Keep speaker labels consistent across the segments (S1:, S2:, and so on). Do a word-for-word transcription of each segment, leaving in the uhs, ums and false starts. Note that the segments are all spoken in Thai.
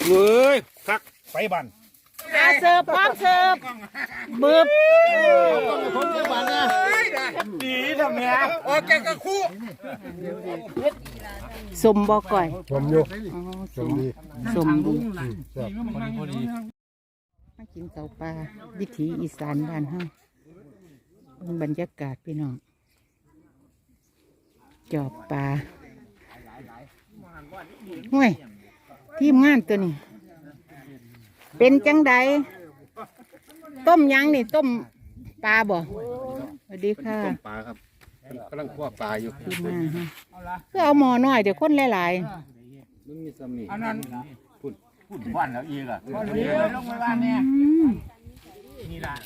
S1: เว้ยคักไปบัน
S2: อาเสิร์ฟพร้อมเสิร์ฟบึบ
S1: ดีทำเนี้ยโอเคก็คู่
S2: สมบ่ก่อย
S3: สมอยู่
S2: สมดีสมดีมากินเสาปลาวิถีอีสานบ้านเฮาเป็นบรรยากาศพี่น้องจอบปลาห่วยทีมงานตัวนี้เป็นจังใดต้มยังนี่ต้มปลาบ่สวัสดีค่ะ
S3: ต้มปลาครับกำลังคั่วปลาอยู่
S2: ทีมงานฮะก็เอาหม้อน้อยเดี๋ยวคนหลาย
S3: ๆมันมีซ้ำนี่
S1: อันนั้นพูดพูดบ้านแล้วอีกอ่ะเลี้ยลงไปบ้านเนี่ยนี่ล่ะ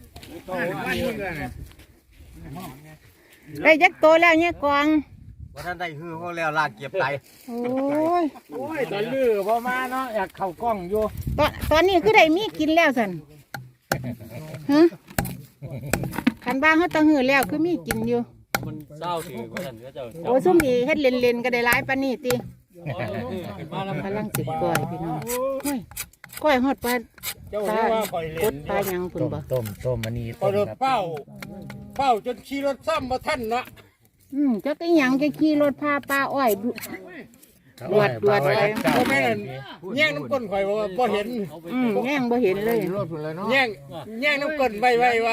S2: ได้ยักโตแล้วเนี่ยกอง
S3: ว่าท่านได้ฮือเขาแล้วลากเก็บไต
S2: โอ้ย
S1: โอ้ยตอนลื้อพอมาเนาะอยากเข้ากล้องอยู่
S2: ตอนตอนนี้คือได้มีกินแล้วสันฮะขันบ้างเขาต้องหือแล้วคือมีกินอยู่
S4: มันเศร้าสิว่าท่านก็จะ
S2: โอ้ซุ่มดีเฮ็ดเล่นๆก็ได้ร้ายปานนี้ติกำลังสิก้อยพี่น้องก้อยก้อยฮอดปลาปลากดปลายังพุ่นบ่
S3: ต้มต้มอันนี้
S1: ต้มครับเป้าเป้าจนขี่รถซ้ำมาท่านเนาะ
S2: อืมจักอีหยังจะขี่รถพาปลาอ้อยดวดดวดไป
S1: บ่แม่นแย่งน้ำก้นข่อยว่าบ่เห็น
S2: อืมแย่งบ่เห็นเลย
S1: แย่งแย่งน้ำก้นไว้ๆว่า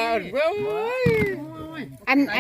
S2: อันอัน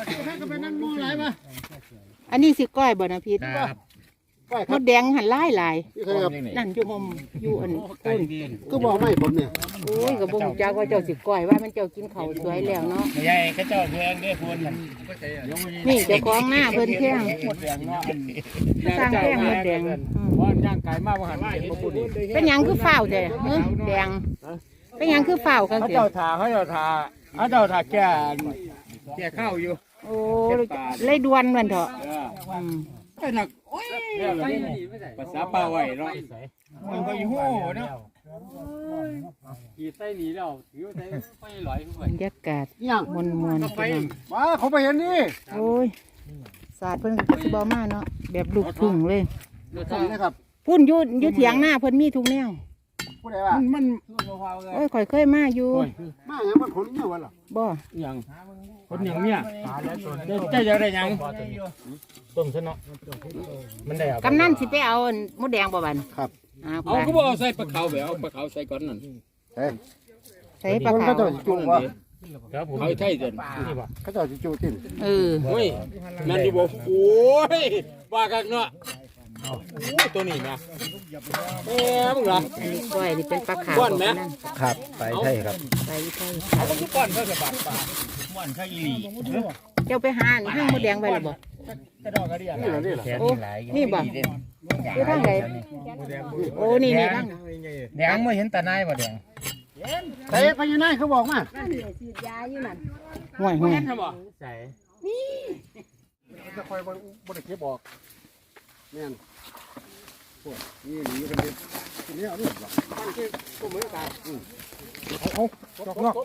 S2: อันนี้สิก้อยบ่นะพี่มดแดงหันไล่ลายนั่นอยู่ห่มอยู่อันต้น
S3: ก็บอกไม่ผมเนี่ย
S2: โอ้ยกับบุ้งจ้าก็เจ้าสิก้อยว่ามันเจ้ากินเขาสวยแล้วเนาะ
S1: ใหญ่ก็เจ้าเพื่อนได้พูน
S2: นี่เจ้าของหน้าเพิ่นแข้งสร้างแข้งมดแดง
S1: เพราะย่างไก่มากว่าหันเห็นมาพูด
S2: เป็นยังคือเฝ้าแต่เฮ้ยแดงเป็นยังคือเฝ้ากัน
S1: เขาเจ้าทาเขาเจ้าทาเขาเจ้าทาแก่แก่ข้าวอยู่
S2: โอ้เลยดวนมันเถอะ
S1: ไปหนักโอ้ยภาษาป่าไว้เนาะมันก็อยู่โห่เนาะ
S4: ขี่ไส้หนีแล้วถือไส้ไฟลอยขึ้นไป
S2: บรรยากาศมวนมวน
S1: ไปมาเขาไปเห็นนี่
S2: โอ้ยศาสตร์เพิ่นก็สิบ่มาเนาะแบบลูกทุ่งเลย
S1: นะครับ
S2: พุ่นอยู่อยู่เถียงหน้าเพิ่นมีทุกแนว
S1: มัน
S2: โอ้ยข่อยเคยมาอยู่
S1: มาอย่างมันขนเนี่ยวะล่ะ
S2: บ่
S1: อย่างขนอย่างเนี่ยจะจะได้ยังต้มซะเนาะมันได้
S2: กำนันสิไปเอามดแดงบ่บัน
S1: ครับเอาก็บอกเอาใส่ปลาเขาแบบเอาปลาเขาใส่ก่อนนั่น
S2: ใส่ปลาเขา
S1: จุ่มวะเขาไทยเดินเขาจะจุ่มติ่ม
S2: เออ
S1: โอ้ยนั่นดิบอกโอ้ยว่ากันเนาะตัวนี้นะเอ๊ะมึงเหรอ
S2: ก้อยนี่เป็นปลาขาว
S1: ก้อนไหม
S3: ครับไปไทยครับ
S2: ไปไทย
S1: เอาทุกก้อนเพื่อกระบาดปลาก้อนข้าวอีหลี
S2: เจ้าไปหาห้างมดแดงไปหรือบ่
S1: กระดอกกระเดียนี่เหรอ
S2: โอ้นี่บ่คือทางไหนโอ้นี่นี่ทาง
S3: แดงไม่เห็นตาหน้าบ่แดง
S1: เตะไปยังไงเขาบอกมา
S2: ฉีดยาอยู่นั่นห่วยห่วย
S1: ใส่นี่จะคอยบริเก็บบอกแม่นพวกนี่หนีกันเลยทีนี้เอาลูกหรอตั้งชื่อตัวมือตาเอาเอาจอกนอก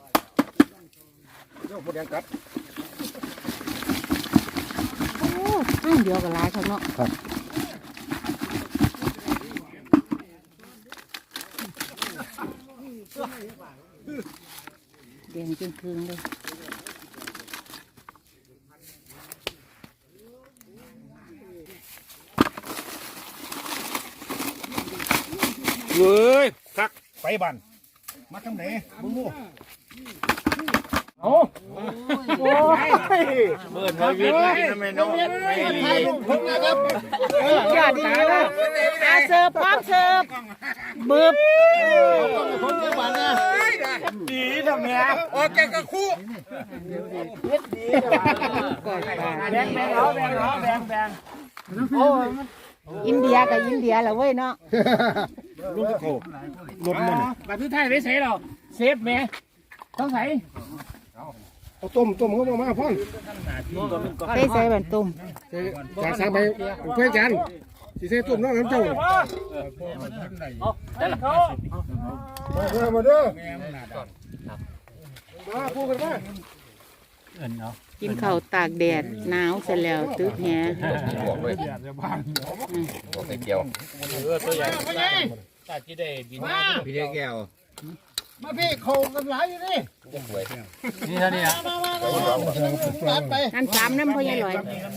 S1: เดี๋ยวพวกแดงกัด
S2: โอ้ห้างเดียวกับหลายเขาเนาะ
S3: ครับ
S2: แดงจนคืนเลย
S1: เว้ยคักไปบันมาทำไหนบุ้งบูโอ้โอ้ย
S4: เบิร์นไว้วิ่งทำไมน้องไม่รี
S1: ผมนะครับ
S2: ยอดดีเลยอาเสิร์ฟพร้อมเสิร์ฟบึบ
S1: ผมจะบันนะดีทำเนี้ยโอเคก็คู่แบงแบงเขาแบงเขาแบงแบง
S2: โอ้อินเดียกับอินเดียแหละเว้ยเนาะ
S1: ลูกโขลมมันแบบที่ไทยไม่ใช่หรอเซฟแม่ต้องใส่เอาต้มต้มเขาบอกมาพ่อน
S2: ใส่ใส่แบบต้ม
S1: จากสั่งไปเพื่อนกันสีเส้ต้มน้องน้ำเจ้ามาเด้อมาพูดกันว่า
S4: เอิ้นเอา
S2: กินข้าวตากแดดหนาวเสร็จแล้วตึกแห
S3: บอกเลยบอกใส่เกียว
S4: เออตัวใหญ่ถ้าที่ได้บิน
S3: พี่เลี้ยงแก้ว
S1: มาพี่เขากันหลายอยู่นี่
S3: จะสวย
S4: นี่เท่านี้อ่ะ
S1: มามามาตัดไป
S2: นั่นสามน้ำพ่อใหญ่ลอย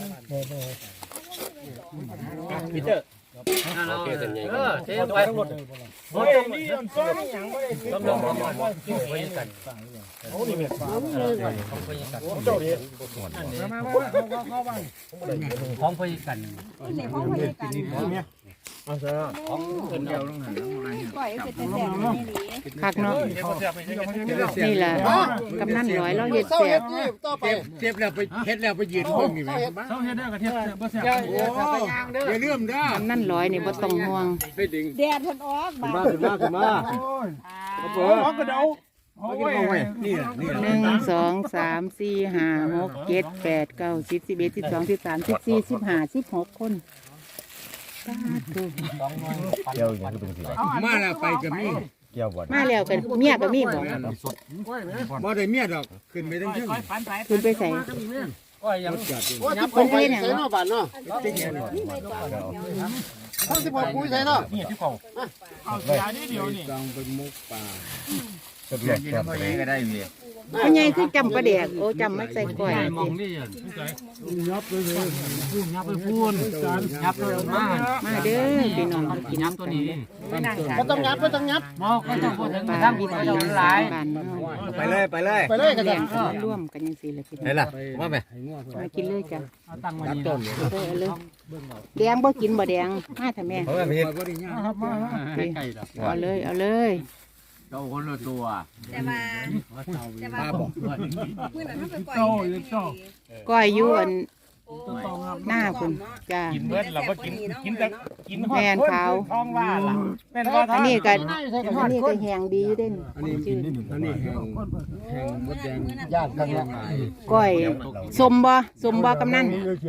S4: พีเตอร์โอเคเส้นใหญ่เออเทไปทั้งหมดหมดนี่มันฟ้าอย่างบ่ได้ต้องลองมาไปกันโอ้นี่แม่ของพยกันเจ้าดิมามาเข้าเข้าบ้านของพยกันนี่ของพยกันนี่เอาซะของเพิ่นเดียวลงหันก่อยเป็นแต่แซ่บนี่หลี
S2: คักเนาะนี่แหละกำนันร้อยเราเฮ็ด
S1: เศร้า
S2: แซ่
S1: เฮ็
S2: บ
S1: ดนี่ต่อไป
S3: เจ็บแล้วไปเฮ็ดแล้วไปยืนเพิ่งนี่ไหม
S4: เฮาเฮ็ดได้ก็เฮ็ดบ่แซ่บ
S3: อย่าลืมด้าก
S2: ำนันร้อยนี่บ่ต้องห่วง
S4: ไปดึง
S5: แดดมันออกบา
S1: มาขึ้นมาขึ้นมา
S4: โอ้ยกระเดาโอ้ย
S3: นี่แหละนี่แหละ
S2: หนึ่งสองสามสี่ห้าหกเจ็ดแปดเก้าสิบสิบเอ็ดสิบสองสิบสามสิบสี่สิบห้าสิบหกคนสาธุ
S3: เกียวอย่างนี้เป็นสิมาแล้วไปกับมี่เกียวบ่
S2: มาแล้วกันเมียก็มีบ่
S3: บ่ได้เมียดอกขึ้นไปทั้งเชิง
S2: ขึ้นไปใส่
S4: ก้อยยัง
S1: โอ้ที่ผมไปใส่เนาะบ้านเนาะทั้งที่ผมคุยใส่เนาะ
S4: นี่ที่เขาเอาเสียนิดเดียวนี่
S3: ต้องเป็นมุกป่าก็เปลี่ยนก็ได้มี
S2: พ่อใหญ่คือจำปลาแดกโอ้จำไม่ใส่ก้อย
S4: มองนี่ยับไปเลยยับไปพูนยับไปมา
S2: มาเด้อพี่น้องกิน
S4: ยับ
S2: น้ำ
S4: ตั
S2: กั
S4: วน นี้
S1: บ่ต้องยับบ่ต้องยับ
S4: มอก็ต้องพูดถึง
S2: ปลา
S4: ทาง
S2: วิ
S4: วิ
S2: ถี
S4: ถี
S2: อี
S4: หลาย
S2: สานบ้านเฮา
S3: ไปเลยไปเลย
S1: ไปเลยกัน
S2: แบ่
S1: จ้ะ
S2: งกันร่วมกันจังซี่แหละพี่น้อง
S3: ไหนล่ะว่าไหม
S2: มากินเลยจ้ะ
S4: เอาตั้งมานี่
S2: เด้อเลยแดงบ่กินบ่แดงมาเถอะแม่
S3: เพราะว่าเฮ็ด
S4: ครับมาใกล้ๆดอก
S2: เอาเลยเอาเลย
S4: เจ้าคนละตัว
S5: แต่ว่าแต่ว่า
S3: ป้าบอก
S5: มื้อนั้นมันไปปล่อย
S2: ก้อยอยู่อัน
S5: โอ้
S2: หน้าคุณจ้า
S5: กินเบิดแล้วบ่กินกินแต่
S2: กินแม่นขาว
S4: ท้องว่าล่ะเป็นว่า
S2: อันนี้ก็อันนี้ก็แหงดีอยู่เด่น
S3: อันนี้
S2: ชื่อ
S3: อันนี้แห้งแห้งมดแดง
S1: ญาติกันละ
S2: ก้อยสมบ่สมบ่กำนัน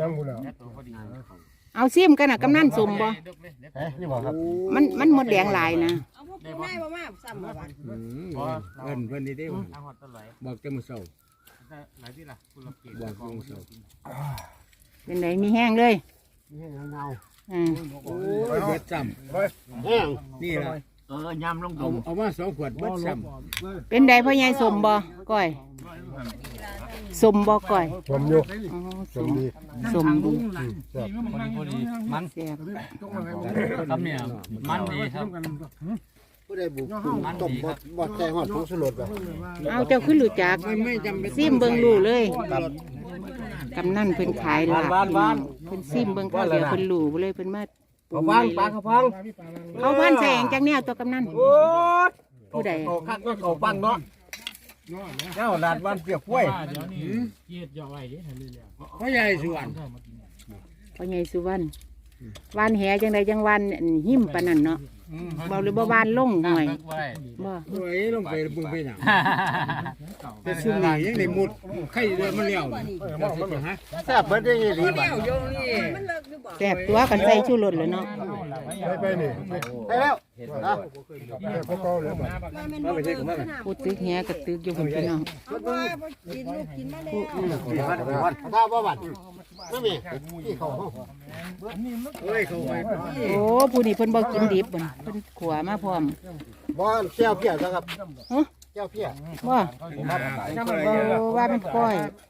S2: เอาซิมกันน่ะกำนันสมบ่
S1: เฮ้ยนี่บ่ครับ
S2: มันมันหมดแดงหลายนะ
S5: เอาพวกผู้นายบ่มาซ้ำบ่บัด
S3: อืมเอิ้นเพิ่นนี่เด้อบอกจะมื้อเช้า
S4: หลายที่ล่ะคุณละเกีย
S3: บอกมื้อเช้า
S2: เป็นไหนมีแห้งเลย
S1: นี่เงา
S2: อ่า
S3: โอ้ยเบิดซ้ำ
S1: แห้ง
S3: นี่ล่ะ
S4: เออยำลง
S3: เอาเอามาสองขวดเบิดซ้
S2: เป็นไดพ่อใหญ่สมบ่ก้อยสมบ่ก้อย
S1: ผมอยู่
S2: อ๋อสม
S1: ดี
S2: สมดี
S4: พอดีมัน
S2: แซ่บ
S4: ครับเนี่ยมันดีครับ
S1: ผู้ใดบุกต้มบ่บ่ใส่ฮอดผงชูรสบ่
S2: เอาเจ้าขึ้นรู้จัก
S3: ำมันไม่จำเป็น
S2: ซิมเบิ่งรู้เลยกำนันเพิ่นขายลาบพี่น้องเพิ่นซิมเบิ่งข้าวเดียวเพิ่นรู้เลยเพิ่นมาปรุง
S1: ฟัง
S2: ไว้
S1: ปลา
S2: เลย
S1: เขาฟัง
S2: เขาพันแสงจังแนวตัวกำนัน
S1: โอ้ย
S2: ผู้ใด
S1: เขาคักก็เขาฟังเนาะเจ้าลาดวันเปียกกล้วย
S4: เดี๋ยวนี้เกียดย่อไว้ดิให้เรื่อย
S3: พ่อใหญ่สวน
S2: พ่อใหญ่สุวรรณวานแหจังใดจังวันอันหิมปานนั้นเนาะบ่หรือบ่วานลงหน่อยบ่
S3: โอ้ยลงไปบึงไปหนังแต่ซุ่มนี่ยังได้มุดไข่เดือมันเลี้ยวฮะ
S1: แซ่บเบิดได้ยี่หลีบ่
S5: มันเลิกหรือบ่
S2: แซ่บตัวกันใส่ชูรสเลยเนาะ
S1: ไปนี่ไปแล้วนะ
S5: ว่ามันบ่เลิกมัน
S2: พูดตึกแหกับตึกอยู่พุ่นพี่น้อง
S5: เอาว่าบ่กินลูกกินมาแล้ว
S1: วันถ้าบ่บัดนั่นมีที่เขา
S3: เฮ้ยเขาไป
S2: โอ้ผู้นี้เพิ่นบ่กินดิบเพิ่นเพิ่นขัวมาพร้อม
S1: บ่แก้วเพี้ยครับ
S2: ฮะ
S1: แก้วเพี้ย
S2: บ่บ่ว่าเป็นก้อย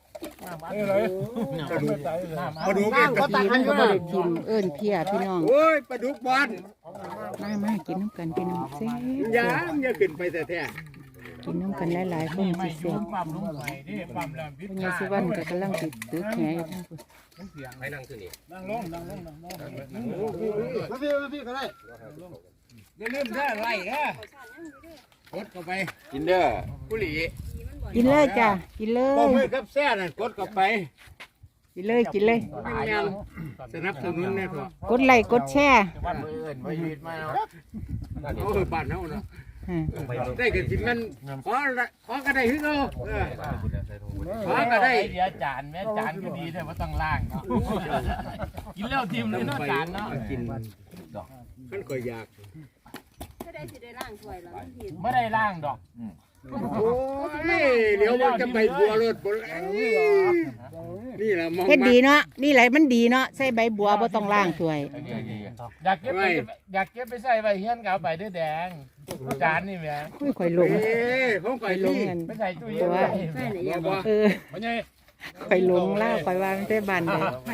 S3: ปลาดุก
S1: น้ำก็ตัก
S2: ที
S1: ให้
S2: มัน
S1: อ
S2: ก็
S1: ยู่
S2: บ่
S1: นะ
S2: ได้ทิมเอิ้นเพียพี่น้อง
S3: โอ้ยปลาดุกบอล
S2: มามากินน้ำกันพี่น้องแซ่บ
S3: ยามอย่าขึ้นไปแต่แท้
S2: กินน้ำกันหลายๆคนสิแซ่บ
S4: ปั๊มลงไปดิปั๊มแล้วพิษ
S2: พ่อใหญ่สุวรรณก็กำลังสิตึกแหอยู่ทั้งพุ่น
S3: ไปนั่งที่นี่
S4: นั่งลงนั่งลงนั่งลง
S1: มาพี่มาพี่ก็ได้
S3: อย่าลืมได้ไรนะกดเข้าไป
S1: กินเด้อ
S3: กุหลี
S2: กินเลยจ้ะกินเล
S3: บ่มือย กับแซ่น่ะกดเข้าไป
S2: กินเลยกินเลย
S3: ยังสนับสนุนแน่พ่อก
S2: ดไลค์กดแชร์
S3: บ้านเอิ้นบ่ยืดมาเนาะโอ้ยบ้านเฮาเนาะ
S2: อ่า
S3: ได้ก็สิมันขอขอก็ได้คือเก่าเออขอก็ได้
S4: เดี๋ยวจานแม่จานก็ดีแต่ว่าต้องล้างเนาะกินแล้วทิมเลยเนาะจานเนาะ
S3: กินมันก็อยาก
S5: ถ้าได้สิได้ล้างถ้วยแล้วมันผิด
S4: ไม่ได้ล้างดอก
S3: โอ้ยเดี๋ยวมันจะไปบัวรถบ่นี่แหละมอง
S2: เฮ็ดดีเนาะนี่แหละมันดีเนาะใส่ใบบัวบ่ต้องล้างถ้วย
S4: อยากเก็บไปอยากเก็บไปใส่ใบเฮียนกับใบเดือแดงจานนี่แหม่
S2: อุ้ยข่อยลง
S3: เอ้ของ
S2: ข่
S3: ข่
S2: อ
S3: อย ย
S2: ล
S3: ล
S2: ง
S3: ง
S2: เงิน
S4: ไม่ใส่ตู้เย็น
S5: ใช่เลย
S3: บ่บ่
S2: เออ
S4: ไม่ใช่
S2: ข่อยลงล่าข่อยวางแต่บ้านเด้อ
S5: ไป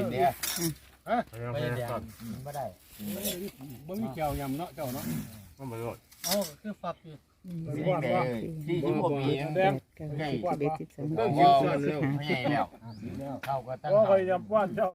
S4: ไม่ได้ไม่ได้
S3: บ่มีแก้วยำเนาะเจ้าเนาะ
S4: อ๋อคือฝักอยู่
S1: ที่ที่ผมมี
S2: แดงสิบเอ็ดสิบสอง
S3: ต้อง
S2: สิ
S3: คิว
S2: บ
S3: ส่วน
S2: สี่
S3: แล้ว
S2: สิบห้า
S4: เข้าก็ตั้ง
S1: ก็พยายามว่าเจ้า